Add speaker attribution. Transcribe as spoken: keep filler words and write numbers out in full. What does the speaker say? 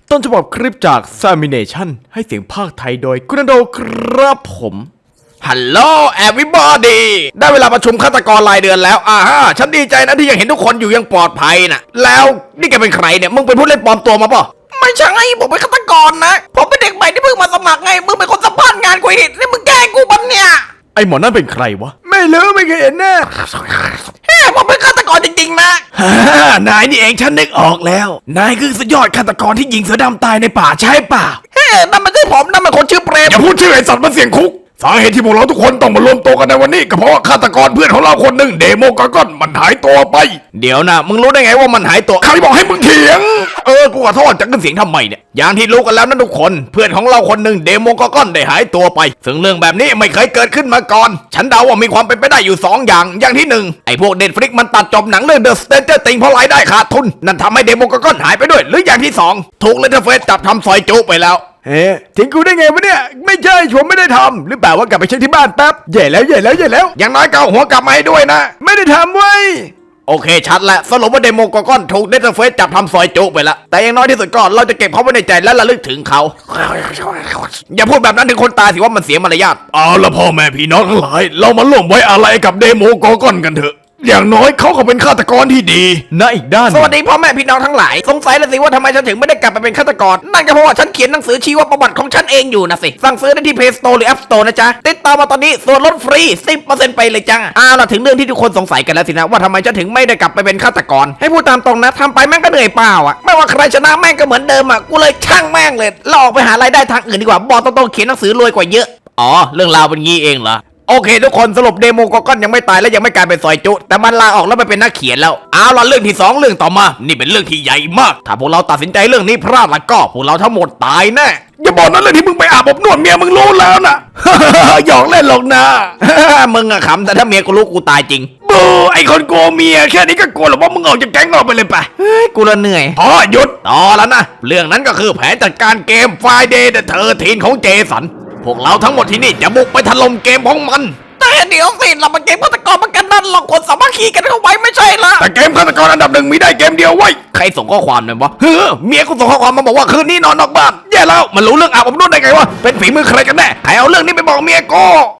Speaker 1: ต้นฉบับคลิปจาก Samination ให้เสียงภาคไทยโดยกุณโดครับผมฮัลโหลแอวิบอดี้ได้เวลาประชุมฆาตกรรายเดือนแล้วอ่าฮะฉันดีใจนะที่ยังเห็นทุกคนอยู่ยังปลอดภัยนะแล้วนี่แกเป็นใครเนี่ยมึงเป็นผู้เล่นปลอมตัวมาป่ะไม่ใช่ผมเป็นฆาตกรนะผมเป็นเด็กใหม่ที่เพิ่งมาสมัครไงมึงเป็นคนสัมภาษณ์งานกูอีกนี่มึงแกล้งกูบังเนี่ยไอหมอนั่นเป็นใครวะไม่รู้ไม่เคยเห็นแน่เฮ้ยผมเป็นฆาตกรจริงๆนะนายนี่เองฉันนึกออกแล้วนายคือสุดยอดฆาตกรที่ยิงเสือดำตายในป่าใช่ป่ะเฮ้ยนั่นไม่ใช่ผมนั่นมันคนชื่อเปรมอย่าพูดชื่อไอสัตว์มาเสียงคุกสาเหตุที่พวกเราทุกคนต้องมารวมตัวกันในวันนี้ก็เพราะว่าฆาตกรเพื่อนของเราคนหนึ่งเดโมกากอนมันหายตัวไปเดี๋ยวนะมึงรู้ได้ไงว่ามันหายตัวใครบอกให้มึงเถียงเออกูขอโทษจะขึ้นเสียงทำไมเนี่ยอย่างที่รู้กันแล้วนะทุกคนเพื่อนของเราคนหนึ่งเดโมกากอนได้หายตัวไปซึ่งเรื่องแบบนี้ไม่เคยเกิดขึ้นมาก่อนฉันเดาว่ามีความเป็นไปได้อยู่สองอย่างอย่างที่หนึ่งไอ้พวกเดนฟลิกมันตัดจบหนังเรื่อง The Stranger Things เพราะรายได้ขาดทุนนั่นทำให้เดโมกากอนหายไปด้วยหรืออย่างที่สองถูกเลเทอร์เฟสจับทำซอยจุไปแล้วเฮ้ทิ้งกูได้ไงวะเนี่ยไม่ใช่ผมไม่ได้ทำหรือเปล่าว่ากลับไปเช็คที่บ้านแป๊บใหญ่แล้วใหญ่แล้วใหญ่แล้วอย่างน้อยก็เอาหัวกลับมาให้ด้วยนะไม่ได้ทำเว้ยโอเคชัดแล้วสรุปว่าเดโมกากอนถูกเดนเฟสจับทำซอยจุไปแล้วแต่อย่างน้อยที่สุดก็เราจะเก็บเขาไว้ในใจและระลึกถึงเขาอย่าพูดแบบนั้นถึงคนตายสิว่ามันเสียมารยาทเอาละพ่อแม่พี่น้องทั้งหลายเรามาร่วมไว้อะไรกับเดโมกากอนกันเถอะอย่างน้อยเขาก็เป็นฆาตกรที่ดีนะอีกด้านสวัสดีพ่อแม่พี่น้องทั้งหลายสงสัยแล้วสิว่าทำไมฉันถึงไม่ได้กลับไปเป็นฆาตกรนั่นก็เพราะว่าฉันเขียนหนังสือชีวประวัติของฉันเองอยู่นะสิสั่งซื้อได้ที่ Play Store หรือ App Store นะจ๊ะติดต่อมาตอนนี้ส่วนลดฟรี สิบเปอร์เซ็นต์ ไปเลยจ้าอ้าวล่ะถึงเรื่องที่ทุกคนสงสัยกันแล้วสินะว่าทำไมฉันถึงไม่ได้กลับไปเป็นฆาตกรให้พูดตามตรงนะทำไปแม่งก็เหนื่อยเปล่าอ่ะไม่ว่าใครชนะแม่งก็เหมือนเดิมอ่ะกูเลยช่างแม่งเลยเราออกไปหารายได้ทางอื่นดีกว่าบอกตรงๆเขียนหนังสือรวยกว่าเยอะอ๋อเรื่องราวเป็นงี้เองเหรอโอเคทุกคนสรุปเดโมกากอนยังไม่ตายและยังไม่กลายเป็นซอยจุแต่มันลาออกแล้วไปเป็นนักเขียนแล้วเอาล่ะเรื่องที่สองเรื่องต่อมานี่เป็นเรื่องที่ใหญ่มากถ้าพวกเราตัดสินใจเรื่องนี้พลาดแล้วก็พวกเราทั้งหมดตายแน่อย่าบอกนะเรื่องที่มึงไปอาบอบนวดเมียมึงรู้แล้วนะ หยอกเล่นหรอกนะ มึงอะขำแต่ถ้าเมียกูรู้กูตายจริงบูไอคนโกเมียแค่นี้ก็กลัวหรอว่ามึงออกจากแก๊งเราไปเลยปะเฮ้ยกูละเหนื่อยพอหยุดต่อแล้วนะเรื่องนั้นก็คือแผนจัดการเกม Friday the เทอร์ทีนของเจสันพวกเราทั้งหมดที่นี่จะบุกไปถล่มเกมของมันแต่เดี๋ยวสิเรามาเกมฆาตกรมันกันนั่นเราคนสามัคคีกันเข้าไว้ไม่ใช่ละแต่เกมฆาตกรอันดับหนึ่งมีได้เกมเดียวไว้ใครส่งข้อความเนี่ยวะเฮ้อเมียกูส่งข้อความมาบอกว่าคืนนี้นอนนอกบ้านแย่แล้วมันรู้เรื่องอาบอบนวดได้ไงวะเป็นฝีมือใครกันแน่ใครเอาเรื่องนี้ไปบอกเมียกู